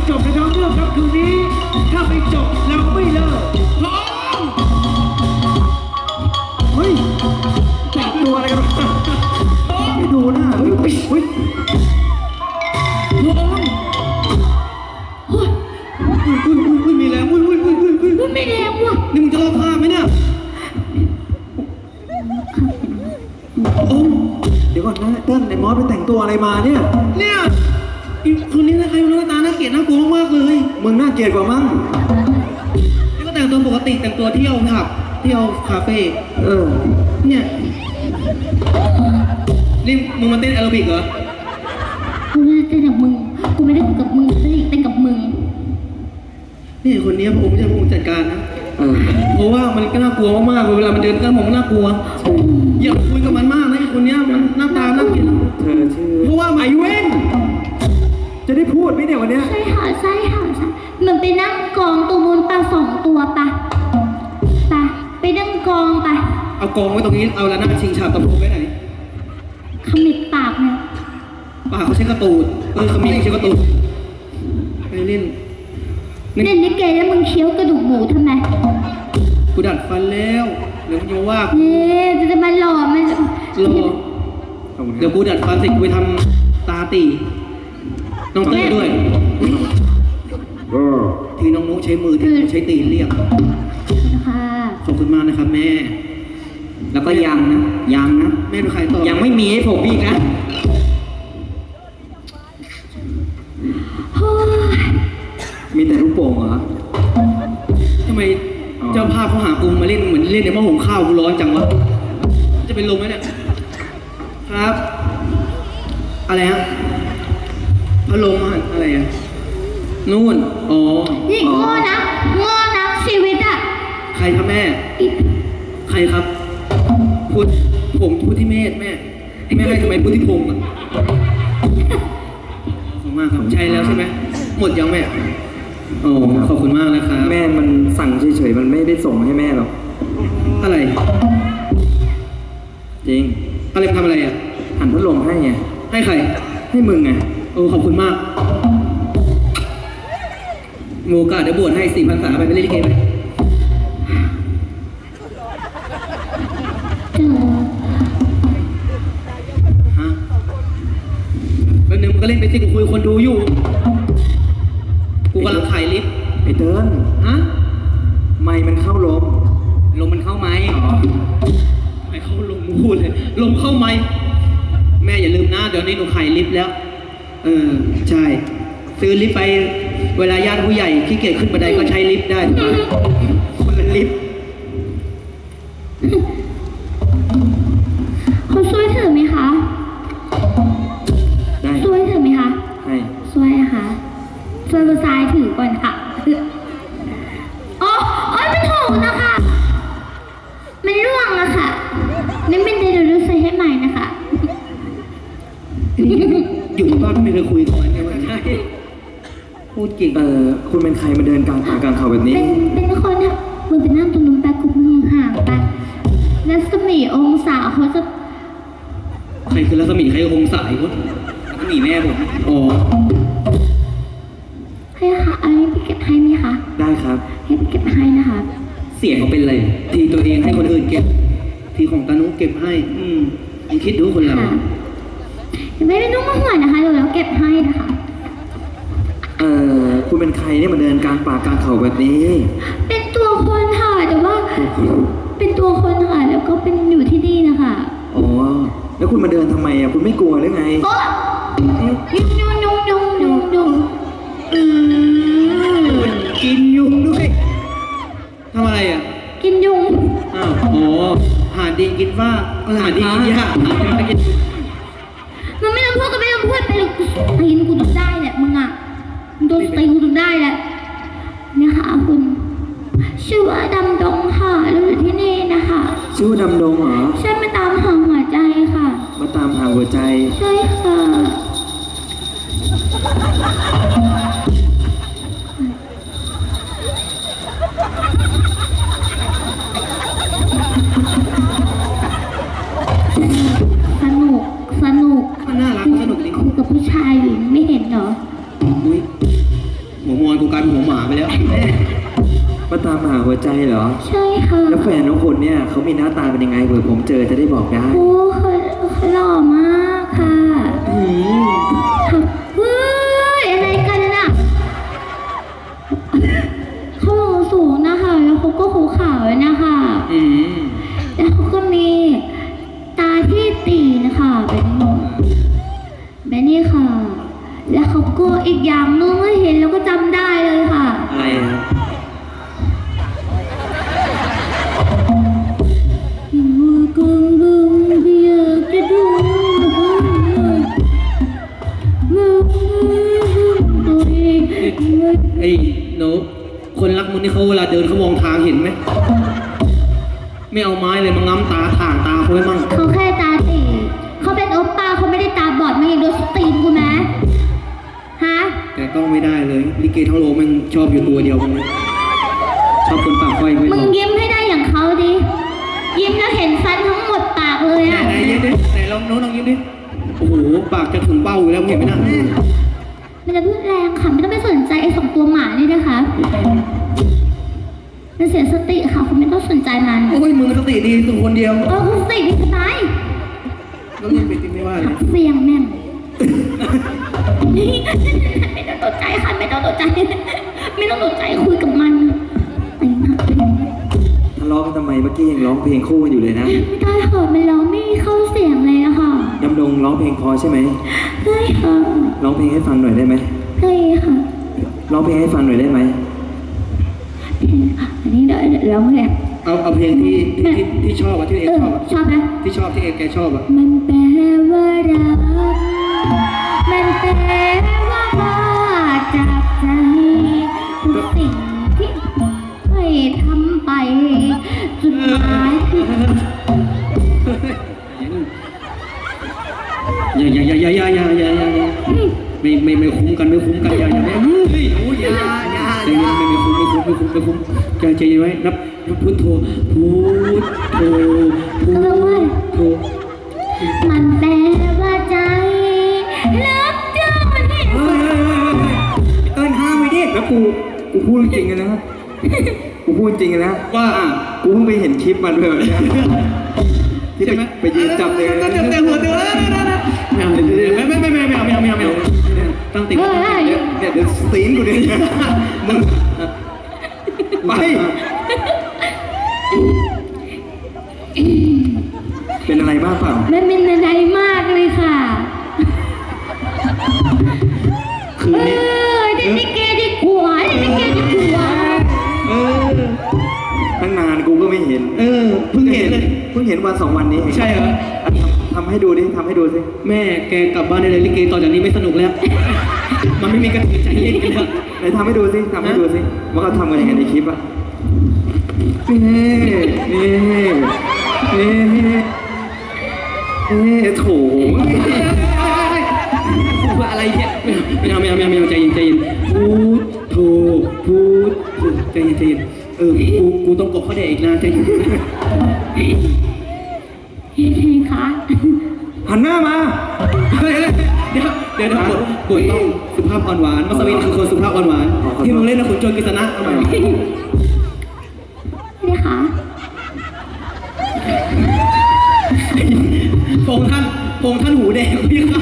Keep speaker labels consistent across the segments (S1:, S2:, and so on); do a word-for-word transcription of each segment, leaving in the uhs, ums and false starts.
S1: จบในท้องเรื่องครับคืนนี้ถ้าไม่จบเราไม่เลิกพร้อมเฮ้ยแต่งตัวอะไรกันไม่ดูหน้าเฮ้ยเฮ้ยเฮ้ยพร้อมเฮ้ยเฮ้ยเฮ้ยเฮ้ยมีแรงเฮ้ยเฮ้ยเฮ้ยเฮ้ยเฮ้ยไม่แรงว่ะนี่มึงจะร้องไห้ไหมเนี่ยโอ้เดี๋ยวก่อนนะเติ้ลไอ้มอสไปแต่งตัวอะไรมาเนี่ยเนี่ยคนนี้นะใครหน้าตาน่าเกลียดน่ากลัวมากเลยมึงน่าเกลียดกว่ามั้งนี่ก็แต่งตัวปกติแต่งตัวเที่ยวผับเที่ยวคาเฟ่เออเนี่ยนี่มึงมาเต้นแอโรบิกเหรอ
S2: กูไม่ได้เต้นกับมึงกูไม่ได้เต้นกับมึงกูเต้นกับมึง
S1: นี่คนนี้ผมไม่ใช่ผมจัดการนะเพราะว่ามันก็น่ากลัวมากๆเวลามันเดินก็มองน่ากลัวอย่าคุยกับมันมากนะคนนี้มันหน้าตาน่าเกลียดเธอชื่อเพราะว่าไอเว้นจะได้พูดไหมเนี่ยวันนี้
S2: ใช่ค่ะใช่ค่ะใช่มันไปนั่งกองตัวบนปลาสองตัวปะปะไปนั่งกองปะ
S1: เอากองไว้ตรงนี้เอาแล้วนั่งชิงฉาบตะปูไว้ไหน
S2: ขมิบปากเนี่ย
S1: ปากเขาใช้กระตูดเออขมิบใช้กระตูดไปเล่น
S2: เล่นลิเกแล้วมึงเคี้ยวกระดูกหมูทำไม
S1: กูดัดฟันแล้วเดี๋ยวมึงจะว่า
S2: เย้จะมาหล่อมันห
S1: ล่อเดี๋ยวกูดัดฟันเสร็จกูไปทำตาตีน้องเต้ยด้วยทีน้องนุ๊กใช้มือที่ใช้ตีเรียก
S2: นะคะ
S1: ขอบคุณมากนะครับแม่แล้วก็ยังนะยังนะแม่ดูใครต่อยังไม่มีให้ผมอีกนะมีแต่ลูกโป่งเหรอทำไมเจ้าภาพเขาหากูมาเล่นเหมือนเล่นในหม้อหุงข้าวกูร้อนจังวะจะเป็นลมไหมเนี่ยครับอะไรฮะพัดลมอะไรอ่ะนู่นอ๋อ
S2: นี่โง่นะโง่นะชีวิตอ่ะ
S1: ใครครับแม่ใครครับพูดผมพูดที่เมธแม่แม่ให้ทำไมพูดที่พงอ่ะขอบคุณมากครับใช่แล้วใช่ไหมหมดยังแม่โอ้ขอบคุณมากนะครับแม่มันสั่งเฉยๆมันไม่ได้ส่งให้แม่หรอกอะไรจริงอะไรทำอะไรอ่ะหันพัดลมให้ไงให้ใครให้มึงไงโอ้ขอบคุณมากโมกาเดี๋ยวบวชให้สี่พันษาไปไปเล่นลิเกไปฮะแป๊บนึงมึงก็เล่นไปสิกูคุยคนดูอยู่กูกำลังถ่ายลิฟต์ไอ้เติ้ลฮะไมค์มันเข้าลมลมมันเข้าไมค์อ๋อไม่เข้าลมพูดเลยลมเข้าไมค์แม่อย่าลืมนะเดี๋ยวนี้หนูขายลิฟต์แล้วเออใช่ซื้อลิฟต์ไปเวลาญาติผู้ใหญ่ขี้เกียจขึ้นบันไดก็ใช้ลิฟต์ได้ถูกไหมคนละลิฟต์
S2: เขาช่วยเธอไหมคะ
S1: ได้
S2: ช่วยเธอไหมคะ
S1: ให้
S2: ช่วยค่ะช่วยกระซายถือก่อนค่ะอ๋ออ๋อไม่ถูกนะคะมันร่วงอะค่ะนี่เป็นเดลิเวอรี่ให้ใหม่นะคะ
S1: อยู่บ้านไม่เคยคุยกันเลยว่าใช่พูดเก่งเออคุณเป็นใครมาเดินกลางป่ากลางเขาแบบนี้
S2: เป็นเป็นคนอะมึงไปนั่งตรงนู้นไปกูมึงห่างไปรัศมีองศาเขาจะ
S1: ใครคือรัศมีใครองศาอีกวะรัศมีแม่ผมอ๋อ
S2: ให้ค่ะอันนี้พี่เก็บให้ไหมคะ
S1: ได้ครับ
S2: ให้พี่เก็บให้นะคะ
S1: เสียงเขาเป็นอะไรทีตัวเองให้คนอื่นเก็บทีของตานุเก็บให้อืมลองคิดดูคนเรา
S2: ไม่ไม่ต้องมาห่วงนะคะเดี๋ยวเราเก็บให้นะคะ
S1: เอ่อคุณเป็นใครเนี่ยมาเดินกลางป่ากลางเขาแบบนี้
S2: เป็นตัวคนค่ะแต่ว่าเป็นตัวคนค่ะแล้วก็เป็นอยู่ที่นี่นะคะ
S1: อ๋อแล้วคุณมาเดินทำไมอ่ะคุณไม่กลัวหรือไง
S2: โอ๊ยยุ่งยุ่งยุ่งยุ่งยุ่ง
S1: อืมกินยุงด้วยทำอะไรอ่ะ
S2: กินยุง
S1: อ้าวอ๋อหาดีกินว่าหาดีกินยาก
S2: มันไม่ต้องพูดก็ไม่ต้องพูดไปเลยตีนกูต้องได้แหละมึงอ่ะมึงโดนตีนกูต้องได้แหละเนี่ยค่ะคุณชื่อว่าดำดงค่ะเราอยู่ที่นี่นะคะ
S1: ชื่อดำดงเหรอ
S2: ใช่มาตามหาหัวใจค่ะ
S1: มาตามหาหัวใจ
S2: ใช่ค่ะสนุกสนุก
S1: มันน่ารักสนุกดี
S2: คุยกับผู้ชายอยู่ไม่เห็นเหรอ
S1: อุ้ยหัวมอนกูกลายเป็นหัวหมาไปแล้ว
S3: มาตามหาหัวใจเหรอ
S2: ใช่ค่ะ
S3: แล้วแฟนน้องคนเนี่ยเขามีหน้าตาเป็นยังไงเผื่อผมเจอจะได้บอกได้
S2: โอ้เขาเขาหล่อมากค่ะ
S1: อืม
S2: ค่ะเฮ้ยอะไรกันน่ะเขาหล่อสูงนะคะแล้วเขาก็หูขาวด้วยนะคะ
S1: อืม
S2: แล้วเขาก็มีตาที่ตีนะคะเป็นแบบนี้ค่ะ แล้วเขาก็อีกอย่างนึงเมื่อเห็นแล้วก็จำได้เลยค่ะ
S1: อะไรอะ
S2: กงกงอยากจะดูมือตัวเอง
S1: ไอ้หนูคนรักมึงนี่เขาเวลาเดินเขามองทางเห็นไหมไม่เอาไม้เลยมาง้ำตาถ่างตาเขาไว้มั่ง
S2: เขาแค่ตาตีเขาเป็นโอปป้าเขาไม่ได้ตาบอดมาอย่างดูสตรีมกูไหมฮะ
S1: แต่ต้องไม่ได้เลยลิเกทั้งโลกแมันชอบอยู่ตัวเดียวมึงชอบคนปากไฟไม่
S2: มึ
S1: ช
S2: ง
S1: อบ
S2: ยิ้มให้ได้อย่างเขาดิยิ้มแล้วเห็นฟันทั้งหมดปากเลย
S1: ไหน
S2: อะ
S1: ไหนยิ้มดิไหนลองโน้ตลองยิ้มดิโอ้โหปากจะถึงเบ้าอยู่แล้วเห็นไหมนะ
S2: มันจะพูดแรงค่ะไม่ต้องไปสนใจไอ้สองตัวหมานี่นะคะมันเสียสติค่ะคุณไม่ต้องสนใจมัน
S1: โอ้ยมึงสติดีตัวคนเดียว
S2: เออคุณสติดีจะตาย
S1: แล้วมึงไปจริงไม่ว่าเลย
S2: เสียงแม่งไม่ต้องตกใจค่ะไม่ต้องตกใจ ไม่ต้องตกใจคุยกับมันไปมากไปมาก
S3: ทะเลาะกันทำไมเมื่อกี้ยังร้องเพลงคู่กันอยู่เลยนะ
S2: ไม่ได้ค่ะมันร้องไม่เข้าเสียงเลยอะค่ะ
S3: ดำดงร้องเพลงพอใช่ไหม
S2: เฮ้ยค่ะ
S3: ร้องเพลงให้ฟังหน่อยได้ไหม
S2: เฮ้ยค่ะ
S3: ร้องเพลงให้ฟังหน่อยได้ไหม
S2: อันนี้เดี๋ยวเดี๋ยวร้องเพลง
S1: เอาเอาเพลงที่ที่ที่ที่ชอบอะที่เอ
S2: เอง อ
S1: ชอบอะ
S2: ชอบไหม
S1: ที่ชอบที่เองแกชอบอะ
S2: มันแปลว่ารักมันแปลว่าบ้าจากใจทุกสิ่งที่เคยทำไปจุดหมายคือ
S1: อย่าอย่าอย่าอย่าอย่าอย่าอย่าอย่าไม่ไม่ไม่คุ้มกันไม่คุ้มกันอย่าอย่าไม่เฮ้ยโอ้ยอย่าอย่าใจเย็นไม่ไม่คุ้มไม่คุ้มไม่คุ้มไม่คุ้มใจใจเย็นไว้นับนับพุทโธพุทโธพุทโธ
S2: มันแปลว่าใจรักเจ้าที่
S3: เฮ้ยเฮ้ยเฮ้ยเต้นห้ามไปดิแล้วกูกูพูดจริงๆนะกูพูดจริงนะ
S1: ว่า
S3: กูเพิ่งไปเห็นคลิปมันเลยเนี่ยที่ไปไปยืนจับเลย
S1: จับแต่หัวเดือดไม่เอาไม่ไม่ไม่ไม่เอาไม่เอาไม่เอาไม่เอาตั้งติด
S2: เฮ้ย
S3: เนี่ยเดี๋ยวสตีนกูดิมึงไปเป็นอะไรบ้างเปล่า
S2: มันเป็นอะไรมากเลยค่ะ
S1: คืน
S2: เอ
S1: นี้
S2: อเด็กนิเกดีกว่าเด็กนิเกดีกว่า
S1: เออ
S3: ตั้งนานกูก็ไม่เห็น
S1: เออเพิ่งเห็นเลย
S3: เพิ่งเห็นวันสองวันนี้เอง
S1: ใช่เหรอ
S3: อ่ะทำทำให้ดูดิทำให้ดูสิ
S1: แม่แกกลับบ้านได้เลยลิเกต่อจากนี้ไม่สนุกแล้ว มันไม่มีกระถิ่นใจเย็นกันแล้ว
S3: ไหนทำให้ดูสิทำให้ดูสิว่าเขาทำกันยังไงในคลิปอ่ะนี่นี่นี่นี่โถ
S1: อะไรเนี่ยไม่เอาไม่เอาไม่เอาไม่เอาใจเย็นใจเย็นพูดโธพูดใจเย็นใจเย็นเออกูกูต้องกบเขาแดกอีกนานใจเย็น
S2: เฮ้ยคะ
S3: หันหน้ามา
S1: เฮ้ยเดี๋ยวเดี๋ยวเดี๋ยวบทบทต้องสุภาพอ่อนหวานมัสวินคือคนสุภาพอ่อนหวานที่มึงเล่นนะขุนโจรกฤษณะเอาใหม่
S2: นี่ค่ะ
S1: พงท่านพงท่านหูแดงพี่ครับ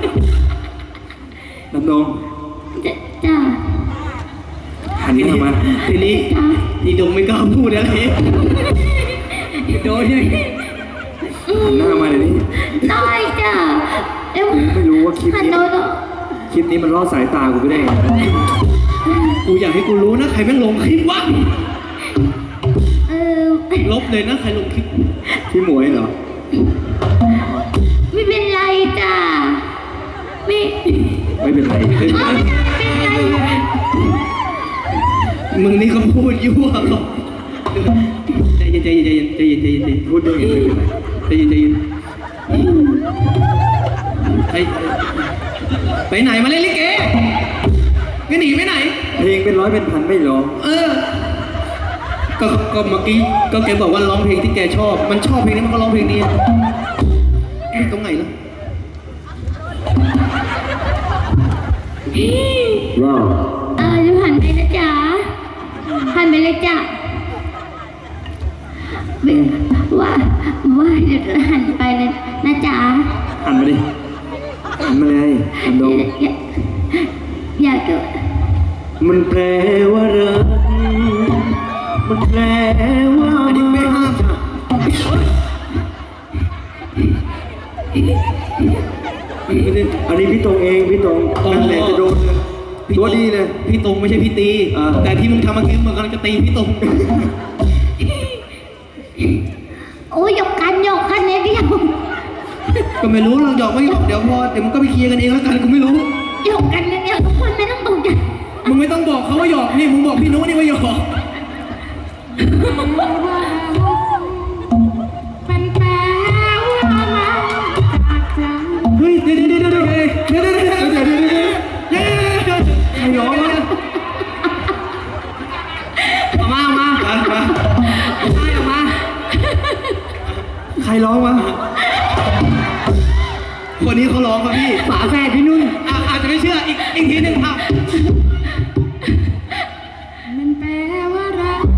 S3: ดำดง
S2: จะจ้า
S3: หันหน้ามา
S1: ทีนี้อีดงไม่กล้าพูดอะไรโดนยัง
S3: หันหน้ามาเดี๋ยวนี้
S2: ได้จ้าเอ้ย
S3: ไม่รู้ว่าคลิป
S2: หัน
S3: นี้
S2: โน้ต
S3: คลิปนี้มันล่อสายตากูไปได้ไง
S1: กูอยากให้กูรู้นะใครแม่งลงคลิปวะ
S2: เออ
S1: ลบเลยนะใครลงคลิป
S3: พี่หมวยเหรอ
S2: ไม่เป็นไรจ้าไม่
S3: ไม่เป็นไร
S2: เอ้ยเป็นไร
S1: มึงนี่เขาพูดยั่วเขาใจเย็นใจเย็นใจเย็นใจเย็นใจเย็นใจเย็น
S3: พูดได้ไงไม่เป็นไร
S1: ใจเย็นใจเย็นไปไปไหนมาเล่นลิเกไม่หนีไปไหน
S3: เพลงเป็นร้อยเป็นพันไม่ร้อง
S1: เออ ก็ก็เมื่อกี้ก็แกบอกว่าร้องเพลงที่แกชอบ มันชอบเพลงนี้มันก็ร้องเพลงนี้ตรงไหนล่ะ
S3: ว้าว
S2: เออจะพาหันไปเลยจ้ะว่าว่าเดี๋ยวหันไปเลยนะจ๊ะ
S3: หันมาดิหันมาเลยหันโดม
S2: อยากอยากจะ
S3: มันแปลว่ารักมันแปลว่า
S1: อันนี้ไม่ห้าม
S3: อันนี้พี่ตรงเองพี่ตรงนั่นแหละจะโดนเลยตัวดีเลย
S1: พี่ตรงไม่ใช่พี่ตี
S3: อ่า
S1: แต่ที่มึงทำเมื่อกี้มึงกำลังจะตีพี่ตรง
S2: โอ้ยหยกกันหยกกันเนี่ยเดียว
S1: ก็ไม่รู้เราหยอกไม่หยอกเดี๋ยวพอเดี๋ยวมึงก็ไปเคลียร์กันเองแล้วกันกูไม่รู้
S2: หยกกันเนี่ยเดียวทุกคนไม่ต้องตกใจ
S1: มึงไม่ต้องบอกเขาว่าหยอกนี่มึงบอกพี่นุ้นี่ว่าหยอก
S2: มันแปลว่ารักจากใจ
S1: เฮ้ยเดี๋ยวเดี๋ยวเดี๋ยวเดี๋ยวเดี๋ยวเดี๋ยวเดี๋ยวเดี๋ยวเดี๋ยวเดี๋ยวเดี๋ยวเดี๋ยวใครร้องวะเอามาเอามาเอามาเอามาเอามา
S3: ใครร้องวะ
S1: คนนี้เขาร้องครับพี่
S3: ฝาแฝดพี่นุ่น
S1: อ่ะอาจจะไม่เชื่ออีกอีกทีหนึ่งอ่ะ
S2: มันแปลว่ารัก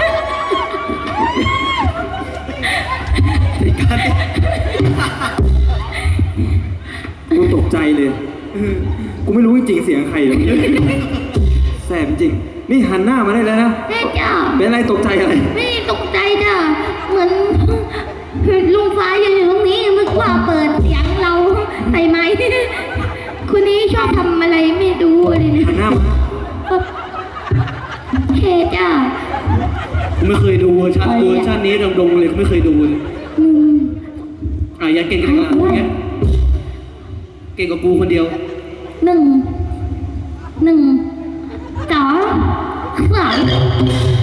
S1: อีกการ
S3: กูตกใจเลยกูไม่รู้จริงๆเสียงใครเลยแสบจริงนี่หันหน้ามาได้แล้วนะ
S2: แม่จ้า
S3: เป็นอะไรตกใจอะไร
S2: ไม่ได้ตกใจจ้ะเหมือนลุงฟ้ายืนอยู่ตรงนี้นึกว่าเปิดเสียงเราใส่ไหมคนนี้ชอบทำอะไรไม่ดูเลย
S3: หันหน้ามา
S2: เคจ้ะ
S1: กูไม่เคยดูเวอร์ชันเวอร์ชันนี้ดงๆเลยกูไม่เคยดูเลย
S2: อืม
S1: อ่ะอย่าเก่งกันนะอย่างเงี้ยเก่งกว่ากูคนเดียว
S2: หนึ่งหนึ่งสองสาม